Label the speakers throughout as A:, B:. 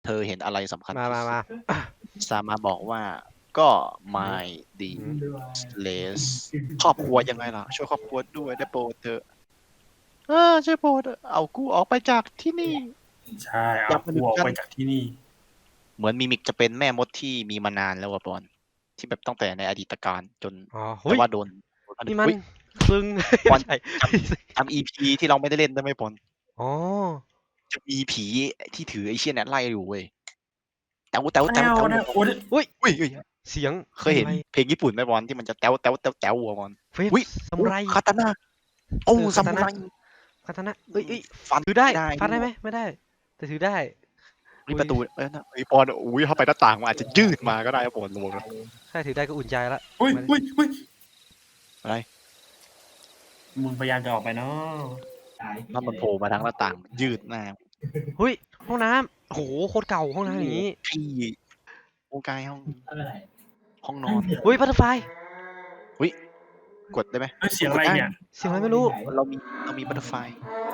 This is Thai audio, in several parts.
A: เธอเห็นอะไรสำคัญ
B: มา
A: ที่
B: มา
A: สุ
B: มา
A: ดซามาบอกว่าก็ my d less ครอบครัวยังไงล่ะ ช่วยครอบครัวด้วยได้โปรดเถอะช่วยโปรดเอากูออกไปจากที่นี่
C: ใช่เอากูออกไปจากที่นี่
A: เหมือนมิมิกจะเป็นแม่มดที่มีมานานแล้วอะบอลที่แบบตั้งแต่ในอดีตการจน
B: อ๋อ
A: แต่ว่าโดน
B: นี่มัน
A: อุ๊ย
B: ซึ่ง
A: บอล
B: ใช่
A: ทำ EP ที่เราไม่ได้เล่นได้ไหมบอล
B: อ๋อ
A: จะมีผีที่ถือไอ้เชี่ยเนี่ยไล่อยู่เว้ยแต้ว
B: อุ้ย
A: อุ้ย
B: เสียง
A: เคยเห็นเพลงญี่ปุ่นไหมบอลที่มันจะแต้วอะบอล
B: เฟส
A: อุ๊ย
B: ซามูไร
A: คาตาน่าโอ้
B: เออ
A: ซามูไร
B: คาตานะเอ้ย
A: ฟัน
B: ถือได้
A: ได้
B: ฟันได้ไหมไม่ได้ แต่ถือได้
A: นี่ประตูนะไอ้บอลอุ้ยถ้าไปหน้าต่างมันอาจจะยืดมาก็ได้บอลลงนะ
B: ถ้าถือได้ก็อุ่นใจละ
C: อุ้ย
A: อะไร
C: มึงพยายามจะออกไปเนาะ
A: ถ้ามันโผล่มาทางหน้าต่างยืดหน้า
B: เฮ้ยห้องน้ำโอ้โหโคตรเก่าห้องน้ำอย่างนี้
A: พี่โอกายห้องนอน
B: เฮ้ยบัตเตอร์ไฟ
A: กดได้ไหม
C: เสียงอะไรเนี่ย
B: เสียงอะไรไม่รู้
A: เรามีบัตเตอร์ไฟ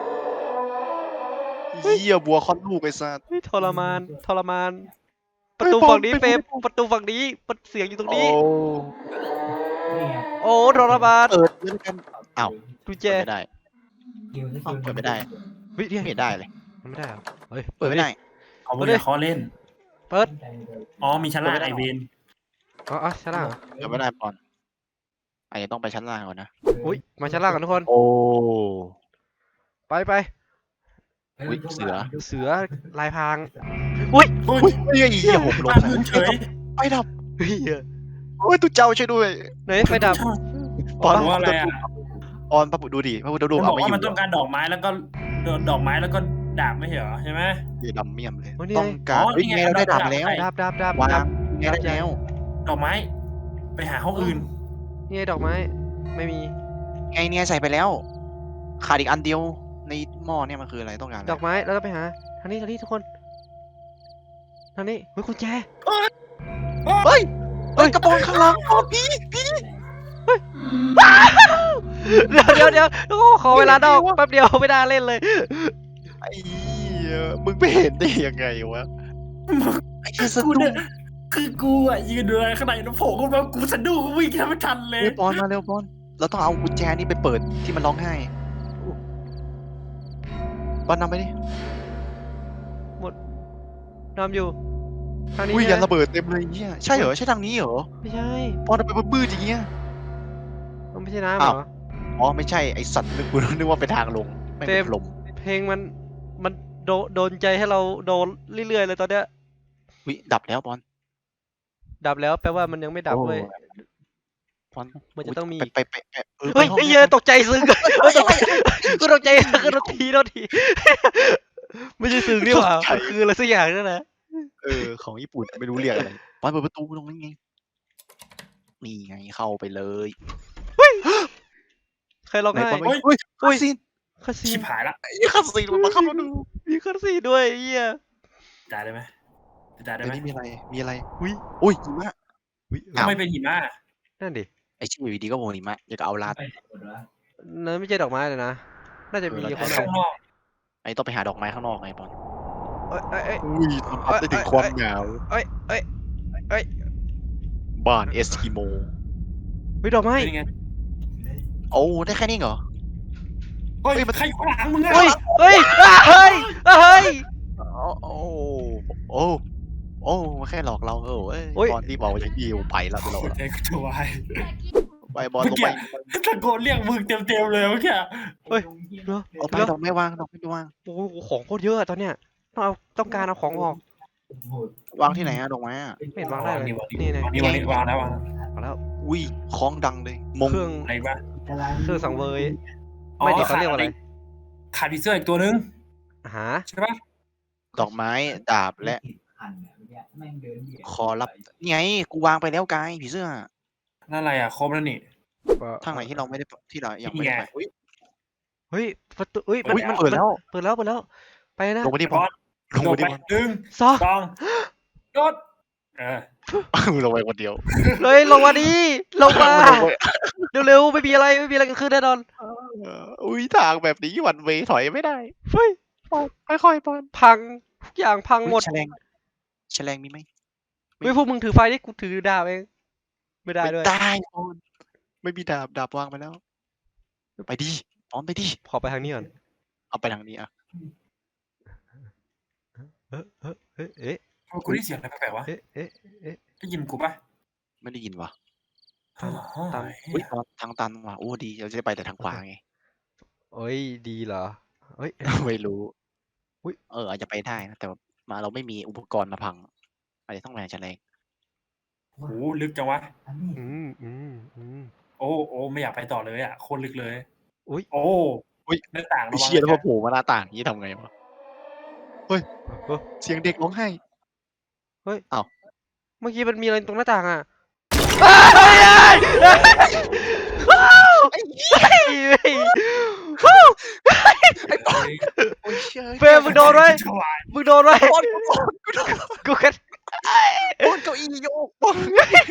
A: เหี้ยบัวคอนลูกไอ้สัส
B: เฮ้ยทรมานประตูฝั่งนี้เฟมประตูฝั่งนี้เสียงอยู่ตรง
A: โอ้
B: นี้ โอ้ทรมาน
A: เปิดด้วยกันอ้าว
B: กุญแจ
A: เปิดไม่ได้เปิดไม่ได้
B: เฮ้ยเนี่ย
A: ไม่ได้เลย
B: มันไม่ได้เหรอเฮ้ย
A: เปิดไม่ได้
C: เขาไม่ได้เขาเล่น
B: เปิด
C: อ๋อมีชั้นล่างไอเวน
B: อ๋อชั้นล่าง
A: เปิดไม่ได้ปอนอาจจะต้องไปชั้นล่างก่อนนะ
B: อุ้ยมาชั้นล่างกันทุกคน
A: โอ้
B: ไป
A: อุ๊ยเสือ
B: เสือลายพรางอุ้ย
C: อุ้ย
A: อุ้ยเฮ้ยเหี้ยผมลง
C: พื้นเฉย
A: ไฟดับ
B: เฮ้ย
A: โอ้ยตุ๊เจ้าช่วยด้วย
B: ไหนไฟดับ
A: ปอน
C: ว่าอะไรอ่ะ
A: ปอนพระบุดูดิพระบุดู
C: มันบ
A: เอา
C: อก
A: ไม่อ
C: ว่า
A: ยู่
C: มันต้องการดอกไม้แล้วก็ดอกไม้แล้วก็ดาบไม่ใช่เหรอใช่ไหม
A: เดี๋ยวดำเมี่ยมเลย
B: โอ้ยนี่ไง
A: ต้องการ
C: อ๋อ
A: เฮ้ย
C: นี่ไง
A: ไงเราได้ดาบ
C: ดาบ
A: แล้ว
B: ดับ
A: วา
B: ดั
A: ง
B: บ
A: ไงได้แล้ว
C: ดอกไม้ ไปหาห้องอื่น
B: นี่ไงดอกไม้ไม่มี
A: ไงเนี่ยใส่ไปแล้ว ขาดอีกอันเดียวในหม้อเนี่ยมันคืออะไรต้องการอะไร
B: ดอกไม้แล้วเราไปหาทางนี้ทุกคนทางนี้เฮ้ยกุญแจ
A: เฮ้ยกระโปรงข้างหลังอ๋อพี่
B: เดี๋ยวโอ้ขอเวลานอกแป๊บเดียวไม่ได้เล่นเลย
A: ไอ้เหี้ยมึงไม่เห็นได้ยังไงวะไอ้เหี้ยสะ
C: กู
A: ดุ้
C: เนี่
A: ง
C: ยคือกูอ่ะยืนดูอะไรข้างในแล้วโผล่ขึ้นมากูสะดุ้งวิ่งแทบไม่ทันเลย
A: เฮ้ยปอนมาเร็วปอนเราต้องเอากุญแจนี่ไปเปิดที่มันร้องไห้ปอนนำไปดิ
B: นำอยู่ทางนี้
A: อุ้ย
B: ใช่
A: ยัน
B: ไหม
A: ระเบิดเต็มเลยเนี่ยใช่เหรอใช่ทางนี้เหรอ
B: ไม่ใช่
A: ปอนทำไมมันมืดอย่างเงี้ย
B: มันไม่ใช่น้ำเหรอ
A: อ๋อไม่ใช่ไอสัตว์นึกว่าเป็นทางลงไม่
B: เต็
A: เป็
B: ม
A: นลม
B: เพลงมันโดนใจให้เราโดนเรื่อยๆเลยตอนเนี้ย
A: วิดับแล้วปอน
B: ดับแล้วแปลว่ามันยังไม่ดับเว้ย
A: ปอน
B: มันจะต้องมี
A: ไปไป
B: เฮ้ย
A: ห้อง
B: ไอ้เหี้ยตกใจซึ้งกูตกใจกูโดนทีไม่ใช่ซึ้งนี่หว่ามันคืออะไรสักอย่างนั่นแหละ
A: ของญี่ปุ่นไม่รู้เรียกอะไรปอนเปิดประตูตรงนี้ไงนี่ไงเข้าไปเลย
B: ใครร้อง
A: ไหน
B: ไห้
A: ปอนเฮ้ยคาซีน
B: คาซี
C: ชิ
B: น
C: บหายละ
A: ไอ้คาซีนมันมาเข้ามาดู
B: มีคาซีนด้วยไอ้เหี้ย
C: จ่ายได้ไหมจ่ายได้
A: เดี๋ยว
C: ไหม
A: นี้มีอะไร
B: อุ้ย
A: อุ้ยหิมะ
C: ทำไมเป็นหิมะ
B: นั่นดิ
A: ไอชื่ออยู่ดีก็โมหิมะอยากเอาลาด
B: นั่นไม่ใช่ดอกไม้เลยนะน่าจะมี
A: เออ
B: ข้างใน
C: ข้างนอก
A: ไอต้องไปหาดอกไม้ข้างนอกไงปอน
B: เอ้ย
A: อุ้ยทำพัดได้ถึงความหนาว
B: เอ้ย
A: บ้านเอสกิโม
B: วิดอกไม้
C: เป็นยังไง
A: โอ้ได้แค่นี้เหรอ
C: เฮ้ยใครอยู่ข้างหลังมึงอะ
B: เฮ้ยเฮ้ย
A: โอ้โอ้มาแค่หลอกเราบอลรีบบอกว่าจะยิวไปแล้วเรา
C: เด็กตัวไอ้
A: ไปบอลลงไป
C: ตะโกนเรียกมึงเต็มเลยเมื่อกี้
B: เฮ้ยเนาะ
A: เอาไปดอกไม่วางดอกไม่วาง
B: โอ้โหของโคตรเยอะตอนเนี้ยต้องการเอาของออก
A: วางที่ไหนอะดอกไม้อะ
B: ไม่เห็นวางได้เลย
C: นี่
B: นี่
C: วางแล้ววาง
B: มาแล้ว
A: อุ้ยคล้องดังเลยมง
B: เครื่อง
C: อะไรบ้าง
B: เครื่องสังเวยไม่ดีเขาเรียกว่าอะไร
C: ขาดผีเสื้ออีกตัวนึง
B: หา
C: ใช่ปะ
A: ดอกไม้ดาบและคอรับนี่ไงกูวางไปแล้วกายผีเสื้อ
C: นั่นอะไรอ่ะครบแล้วนี่
A: ทางไหนที่เราไม่ได้ที่เรายังไม่ได้ไปอุ้ย
B: เฮ้ยประตูเฮ้ยมัน
A: เปิดแล้ว
B: เปิดแล้วไปนะ
A: ลงไปที่บอลลง
C: โด
A: ไป
C: ด
A: ที่
C: ไป
A: บอล
C: หนึ่ง
B: ซอ
C: สองโดด
A: ลงไปคนเดียว
B: เลยลงมาดิลงมาเร็วๆไม่มีอะไรเกิดขึ้นแน่นอน
A: อุ้ยทางแบบนี้วันเวถอยไม่ได้
B: เฮ้ย
A: ค่อยๆบอล
B: พังทุกอย่างพังหมด
A: แฉลงแฉลงมีไหม
B: เฮ้ยพวกมึงถือไฟดิกูถือดาบเองไม่ได้
A: ไม่
B: ด้วย
A: ได้โอนไม่มีดาบวางไปแล้ว ไปดิปอนไปดิ
B: ขอไปทางนี้ก่อน
A: เอาไปทางนี้อ่ะ
B: เอ๊ะเอ๊ะเอ๊ะเอ๊ะ
C: กูได้เสียงอะไรแปลกๆวะ
B: เอ๊ะเอ๊ะเอ๊ะ
C: ได้ยินกูปะ
A: ไม่ได้ยินวะ
B: ตาม
A: อุ้ยปอนทางตันว่ะโอ้ดีเราจะไปแต่ทางขวาไง
B: เอ้ยดีเหรอเอ้ย
A: ไม่รู้
B: อุ๊ย
A: อาจจะไปได้นะแต่ว่ามาเราไม่มีอุปกรณ์มาพังอาจจะต้องแรงแฉลง
C: โหลึกจังวะ โอ้ไม่อยากไปต่อเลยอ่ะโคตรลึกเลย
B: อุ๊ย
C: โอ้หน้าต่าง
A: ไอ้
C: ระวัง
A: เชี่ยแล้วพอ
C: นะ
A: โผล่มาหน้าต่างนี้ทำไงวะเฮ้ย
B: เฮ้ย
A: เสียงเด็กร้องไห้
B: เมื่อกี้มันมีอะไรตรงหน้าต่างอ่ะเฮ้ย
A: ไอ้ปอนโอ้ยเชี่ย
B: เฟรมมึงโดนไว้
C: ถวาย
B: มึงโดนไว้
A: ปอนกูโดน
B: กูแค่
A: ปอนเก้าอี้โยกปอน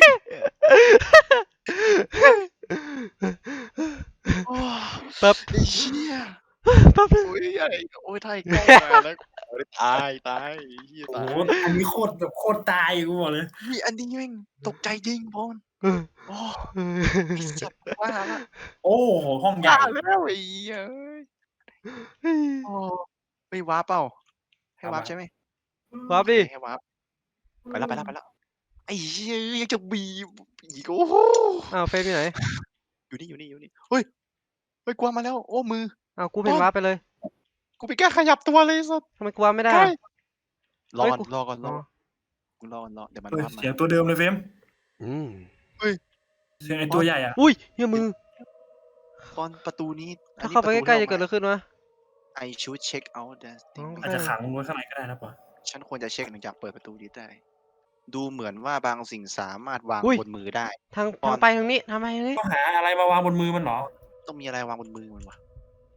A: โอ้
B: แป๊บ
A: ไอ้เชี่ย
B: แป๊บนึง
A: โอ้ยอะไรโอ้ยถ่ายกล้องมาแล้วโอ้ยตายไอ้เหี้ย
C: โอ้
A: ตาย
C: โหอันนี้โคตรแบบโคตรตายกูบอกเลย
A: มีอันนี้แม่งตกใจจริงปอนโอ้ไอ้สัตว์ว่าละ
C: โอ้โหห้องใหญ่
A: ว่าแล้วไอ้เหี้ยเอ้ยโอ้ไม่วาร์ปเปล่าให้วาร์ปใช่ไหม
B: วับดิ
A: ให้วาร์ปไปแล้วไอ้เหี้ยยังจะบีบอีกโอ้โห
B: อ้าวเฟรมอยู่ไหน
A: อยู่นี่เฮ้ยกวางมาแล้วโอ้มือ
B: อ้าวกูเป็นวับไปเลย
A: กูไปแก้ขยับตัวเลยสัตว์
B: ทำไมกูวับไม่ได้
A: ใกล้
B: อะ
A: รอ
B: เฮ้ย
A: ก่อน
B: กู
A: รอก่อน
B: อ๋อ
A: เดี๋ยวมัน
C: เฮ้ย
A: วาร์ปมา
C: เสียงตัวเดิมเลยเฟรม
B: อืม
C: เสียงไอ้ตัวใหญ่อ่ะ
B: อุ้ยเหี้ยมือ
A: ตอนประตูนี้
B: ถ้าเข้าไปใกล้ๆจะเกิดอะไรขึ้นวะ
A: ไอชูดเช็คเอาท์
B: อ๋อ
C: อาจจะขังมึงไว้ข้างในก็ได้นะปะ
A: ฉันควรจะเช็คหลังจากเปิดประตูนี้ได้ ดูเหมือนว่าบางสิ่งสามารถวาง
B: อุ้ย
A: บนมือได้
B: ทาง
A: ปอน
B: ไปทางนี้ทางไปทางนี้
C: ต้องหาอะไรมาวางบนมือมันเหรอ
A: ต้องมีอะไรวางบนมือมันวะ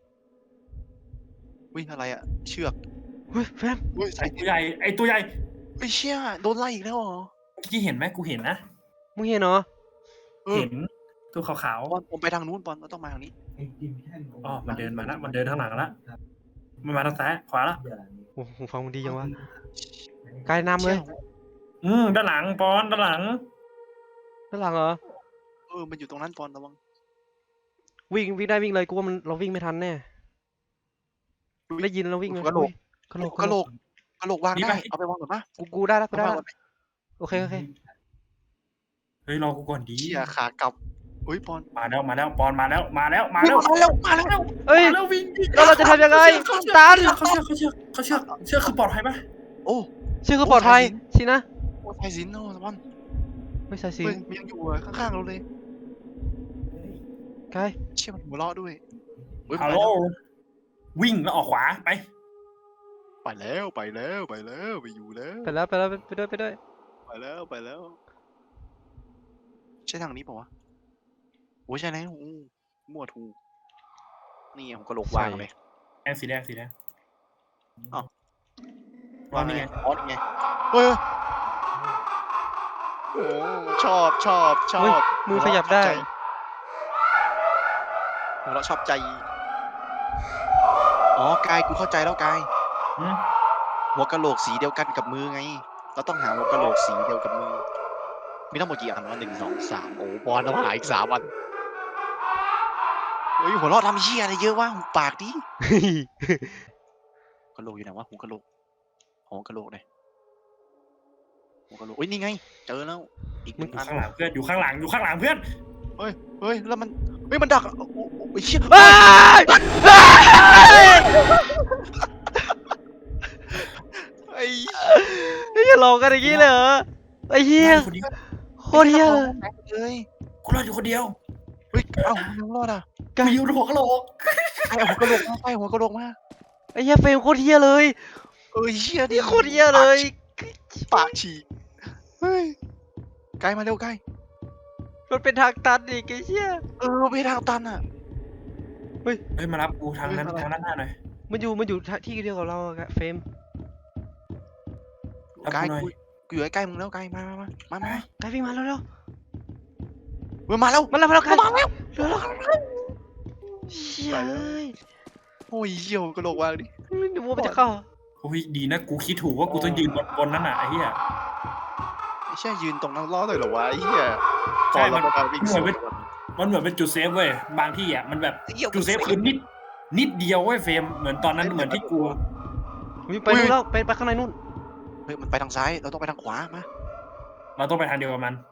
A: อุ้ยอะไรอะเชือก
B: เฮ้ยเฟรม
A: อุ้ย
C: ไอ้ตัวใหญ่ไอ้ตัวใหญ่
A: ไอ้เชี่ยโดนไล่อีกแล้วเหรอ
C: เมื่อกี้เห็นไหมกูเห็นนะ
B: มึงเห็นเหรอ
A: เออ
C: เห็นตัวขาว
A: ปอนผมไปทางนู้นปอนเราต้องมาทางนี้
C: ๆอ๋อมันเดินมาละมันเดินทางหลังละมันมาทางซ้ายขวาละ
B: โอ้โหฟังมึงดีจังวะกายนำเลย
C: ด้านหลังปอนด้านหลัง
B: ด้านหลังเหรอ
A: มันอยู่ตรงนั้นปอนระวัง
B: วิ่งได้วิ่งเลยกูว่ามันเราวิ่งไม่ทันแน่ได้ยินเราวิ่งเลย
A: กระโหลก
B: กระโหลก
A: กระโหลกวางได้เอาไปวางก่อนปะ
B: กูได้แล้วกูได้
A: เอา
B: แล้ว
A: วางก่อน
B: โอเค
C: เฮ้ยรอกูก่อนดี
A: เชี่ยขากลับอุ้ยปอน
C: มาแล้วปอนมาแล้ว
A: มาแล้ว
B: เอ้ย
C: มาแล้ววิ่ง
B: แล้วเราจะทำยังไงตัน
C: เขาเชื่อคือปลอดภัยปะ
A: โอ้
B: ชื่อคือปลอดภัยสินะ
A: โอ้ไทยสินโอ้ปอน
B: ไม่ใช่สิ
A: เฮ้ยมันยังอยู่ข้างๆเราเลย
B: กาย
A: เชี่ยมันหัวเราะด้วยเฮ้ย
C: ฮัลโหลวิ่งแล้วออกขวาไป
A: ไปแล้วไปอยู่แล้ว
B: ไปแล้วไปด้วย
A: ไปแล้วใช่ทางนี้ป่าวะโอ้ยใช่แล้วมั่วถูกนี่ผมกระโหลกวางเลย
C: สีแดง
A: อ้าว
C: วางนี่ไง
A: อ๋อนี่ไงเฮ้ยโอ้ชอบ
B: เฮ้ยมือขยับได้
A: เราชอบใจอ๋อกายกูเข้าใจแล้วกาย
C: อืม
A: หัวกะโหลกสีเดียวกันกับมือไงเราต้องหาหัวกะโหลกสีเดียวกับมือมีทั้งหมดกี่อันวะ1 2 3โอ้บอลต้องหาอีก3 อันเฮ้ยหัวเราะทำเหี้ยอะไรเยอะวะหุบปากดิกะโหลกอยู่ไหนวะหัวกะโหลกหัวกะโหลกเลยหัวกะโหลกเฮ้ยนี่ไงเจอแล้วอีก
C: อยู่
A: 1 อัน
C: ข้างหลังเพื่อนอยู่ข้างหลังเพื่อน
A: เฮ้ยแล้วมันเฮ้ยมันดักโอ้ยเชี่ย
B: เฮ้ย
A: ไอ้
B: อย่าหลอกกันอย่างนี้เลยเหรอไอ้เหี้ย
C: คนเดียว
B: โคตรเหี้ยเลย
A: เลย
C: กูรอดอยู่คนเดียว
A: เฮ้ยเอ้ายังรอดอ่ะ
C: กูอยู่ในหัวกะโหลก
A: ไอ้หัวกะโหลกมาไอ้หัวกะโหลกมา
B: ไอ้เหี้ยเฟรมโคตรเหี้ยเลย
A: เหี้ยดิ
B: โคตรเหี้ยเลย
A: ปากฉีกเฮ้ยไกลมาเร็วไกล
B: มันเป็นทางตันอีกไอ้เหี้ย
A: ไปทางตันอ่ะ
C: เฮ้ยมารับกูทางนั้นทางด้านหน้าหน่อย
B: มันอยู่ที่เดียวกับเราอะเฟรม
A: ไกลกูอยู่ใกล้มึงแล้วไกลมา
B: กายวิ่งมาเร็ว
A: มาแล้ว
B: มาแล้วกาย
A: มาแล้ว
B: เร็วเชี่ยเอ้ย
A: โอ้ยเหี้ยวกระโหลกวางดิ
B: ไม่รู้ว่ามันจะเข้า
C: โอ้ยดีนะกูคิดถูกว่ากูต้องยืนบนนั้นอ่ะไอ้เหี้ย
A: ไม่ใช่ยืนตรงนั้นรอเลยเหรอวะไอ้เหี้ย
C: ใช่
A: ก่อนเราไปวิ่งสวน
C: มันเหมือนเป็นจุดเซฟเว้ยบางที่อ่ะมันแบบจุดเซฟคือนิดเดียวเว้ยเฟรมเหมือนตอนนั้นเหมือนที่กู
B: ไปนู่นแล้วไปข้างในนู่น
A: เฮ้ยมันไปทางซ้ายเราต้องไปทางขวามา
C: เราต้องไปทางเดียวกับมัน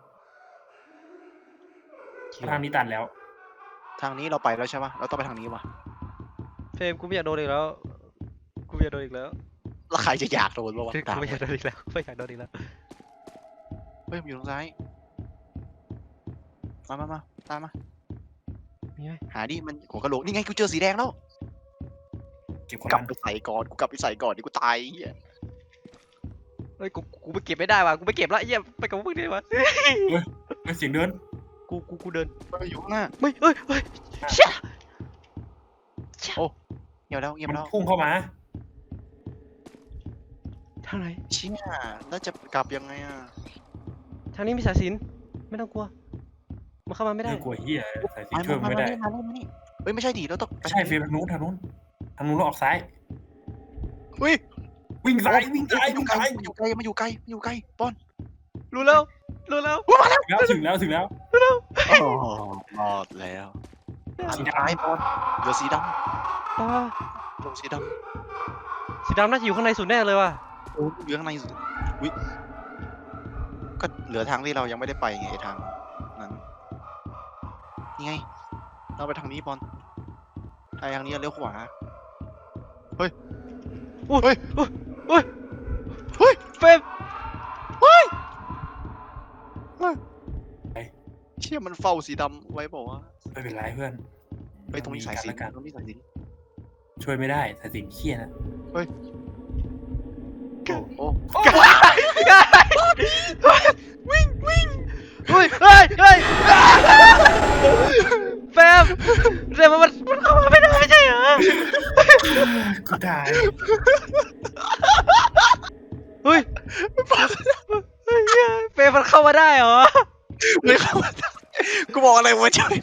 C: ทางนี้ตัดแล้ว
A: ทางนี้เราไปแล้วใช่ปะเราต้องไปทางนี้วะ
B: เฟรมกูไม่อยากโดนอีกแล้วกูไม่อยากโดนอีกแล้ว
A: แล้วใครจะอยากโดนวะ
B: กู
A: ตาม
B: ไม่อยากโดนอีกแล้วไม่อยากโดนอีกแล้ว
A: เฮ้ยมันอยู่ทางซ้ายมาตามมา
B: มีไหม
A: หาดิมันหัวกะโหลกนี่ไงกูเจอสีแดงแล้ว
C: เก็บของ
A: กลับ
C: มัน
A: ไปใส่ก่อนกูกลับไปใส่ก่อนดิกูตายไอ้เหี้ย
B: เฮ้ยกูไปเก็บไม่ได้ว่ะกูไปเก็บแล้วไอ้เหี้ยไปกับพวกมึงดีกว่า
C: เฮ้ยเสียงเดิน
B: กูเดิน
A: มันอยู่ข้างหน้า
B: ไม่เฮ้ยเชี่ย
A: เงียบแล้ว
C: มัน
A: แล้ว
C: พุ่งเข้ามา
B: ทางไหน
A: เชี่ยแล้วจะกลับยังไงอ่ะ
B: ทางนี้มีสายสิญจน์ไม่ต้องกลัวมันเข้ามาไม่ได้
C: ไม่กลัวเหี้ยใส่สีช่วยมันไม่ได้
A: มานี่เฮ้ยไม่ใช่ดิเราต้อง
C: ใช่เฟรมทางนู้นเราออกซ้าย
A: เฮ้ย
C: วิ่งซ้ายวิ่งซ้าย
A: มัน
C: วิ่ง
A: อยู่
C: ซ้าย
A: ไกลมันอยู่ไกลปอน
B: รู้แล้ว
C: ถึงแล้ว
A: โอ้รอดแล้วสีดำปอนเหลือสีด
B: อ่า
A: ำลงสีด
B: สีดำน่าจะอยู่ข้างในสุดแน่เลยว่ะ
A: ำโอ้เหลือข้างในสุดวิก็เหลือทางที่เรายังไม่ได้ไปไงทางนั้นนี่ไงเราไปทางนี้ปอนไปทางนี้เลี้ยวขวา
B: เฟรม
A: เชี่ยมันเฝ้าสีดำไว้บอกว่า
C: ไม่เป็นไรเพื่อน
A: ไปตรงนี้สายสิญจ
C: กัน
A: น์ตรงนี้สายสิญจน์
C: ช่วยไม่ได้สายสิญจน์เครียดนะ
A: โอ้โอ้
B: เฮ้ยเฟรมเดี๋ยวมันเข้ามาไม่ได้ไม่ใช่เหรอ
C: กูตาย
B: เฮ้ยเฟรมมันเข้ามาได้เหรอ
A: ไม่เข้ามากูบอกอะไรวะช่วย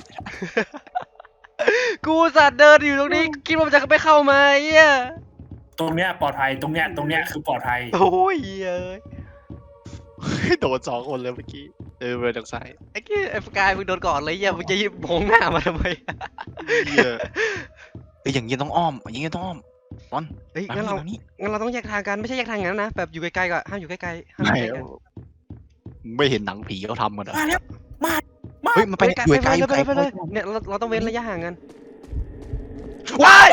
B: กูสัตว์เดินอยู่ตรงนี้คิดว่ามันจะไม่เข้ามาเหี้ย
C: ตรงเนี้ยปลอดภัยตรงเนี้ยคือปลอดภัย
B: โอ้ยเอ้ย
A: โดนสองคนเลยเมื่อกี้ไปทางซ้าย
B: ไอ้สกายมึงโดนก่อนเลยเหี้ยมึงจะมองหน้ามาทำไม
A: เหี้ยอย่างนี้ต้องอ้อมอย่างนี้ต้องอ้อมปอน
B: เฮ้ย
A: มา
B: งั้นเรา
A: นี่
B: ต้องแยกทางกันไม่ใช่แยกทางอย่างนั้นนะแบบอยู่ไกลๆก็ห้ามอยู่ใกล้ๆห้ามอ
A: ไม่
B: ยู่ใกล้ๆกัน
A: ไม่เห็นหนังผีเขาทำกันเหรอ
C: มาแล้ว
A: เฮ้ยมันไปอยู่ไกลอยู่ไกล
B: ไปเลยเนี่ยเราต้องเว้นระยะห่างกันว้าย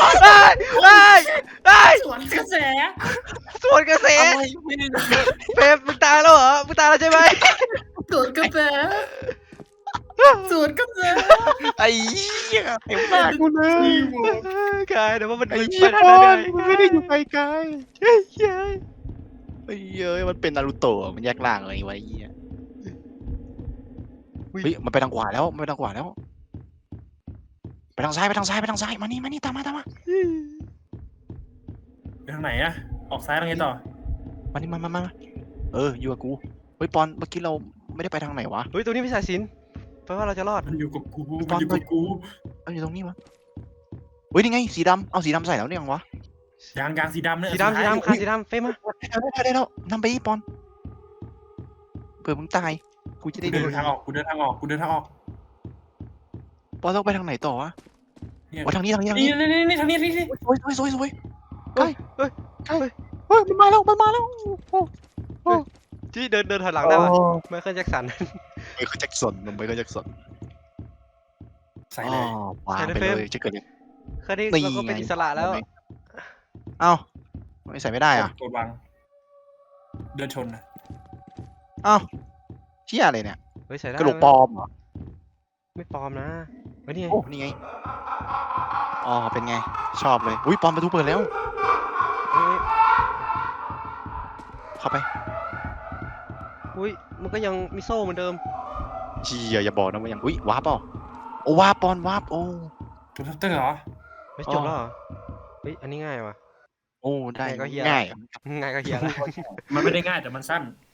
C: สวนกระแส
B: สวนกระแส
A: อะไรไม่ได้
B: เฟรมมึงตายแล้วเหรอมึงตายแล้วใช่ไหม
C: สวนกระแส
A: ไอ้เหี้ยเห็นหน้ากูเลย
B: กายเดี๋ยวว่ามัน
A: ไอ้
B: ไป
A: เหี้ย
B: ทาง
A: ปอ
B: นั้น
A: นมันไม่ได้อยู่ไกล
B: เฮ้ย
A: ๆไอ้เหี้ยมันเป็นนารูโตะมันแยกล่างอะไรไว้ไอ้เหี้ยเฮ้ยมันไปทางขวาแล้วไปทางขวาแล้วไปทางซ้ายมานี่ตามมา
C: ไปทางไหนอะออกซ้ายทางไหนต่อ
A: มานี่มาอยู่กับกูเฮ้ยปอนเมื่อกี้เราไม่ได้ไปทางไหนวะ
B: เฮ้ยตรงนี้มีสายสิญจน์แปลว่าเราจะรอด
C: มันอยู่กับกู
A: เอาอยู่ตรงนี้วะเฮ้ยนี่ไงสีดำเอาสีดำใส่แล้วเนี่ยยังวะ
C: ยางสีดำเนี่ย
B: สีดำขาสีดำเฟรมมา
A: ได้แล้วนำไปอีปอนเผื่อมึงตายกูจะได้
C: กู
A: ดู
C: เดินทางออก
A: ปอนต้องไปทางไหนต่อวะทางนี้
C: นี่ทางนี้
A: สวยใกล้เฮ้ยมันมาแล้ว
B: ที่เดินถอยหลังได้ป่ะไมเคิลแจ็คสัน
A: ไมเคิลแจ็คสัน
C: ใส่เลย
A: วางไปเลยจะเกิดยัง
B: คราวนี้เราก็เป็นอิสระแล้ว
A: เอ้าไม่ใส่ไม่ได้อ่ะ
C: กดวางเดินชนนะ
A: เอ้าเชี่ยอะไรเนี่ย
B: เฮ้ยใส่ได้
A: กระโหลกปลอมเหรอ
B: ไม่ปลอมนะเฮ้ยนี่ไง
A: โอ้นี่ไงอ๋อเป็นไงชอบเลยอุ้ยปลอมประตูเปิดแล้ว
B: เฮ้ย
A: เข้าไป
B: อุ้ยมันก็ยังมีโซ่เหมือนเดิม
A: เชี่ยอย่าบอกนะว่ายังอุ้ยวาร์ปเปล่าโอ้วาร์ปปอนวาร์ปโอ้
C: ตัวทัพเตอร์เหรอ
B: ไม่จบแล้วเหรอเฮ้ยอันนี้ง่ายว่ะ
A: โอ้ได้
B: ง่ายก็เหี้ย
A: ง่าย
B: ง่ายก็เฮียแล้ว
C: มันไม่ได้ง่ายแต่มันสั้น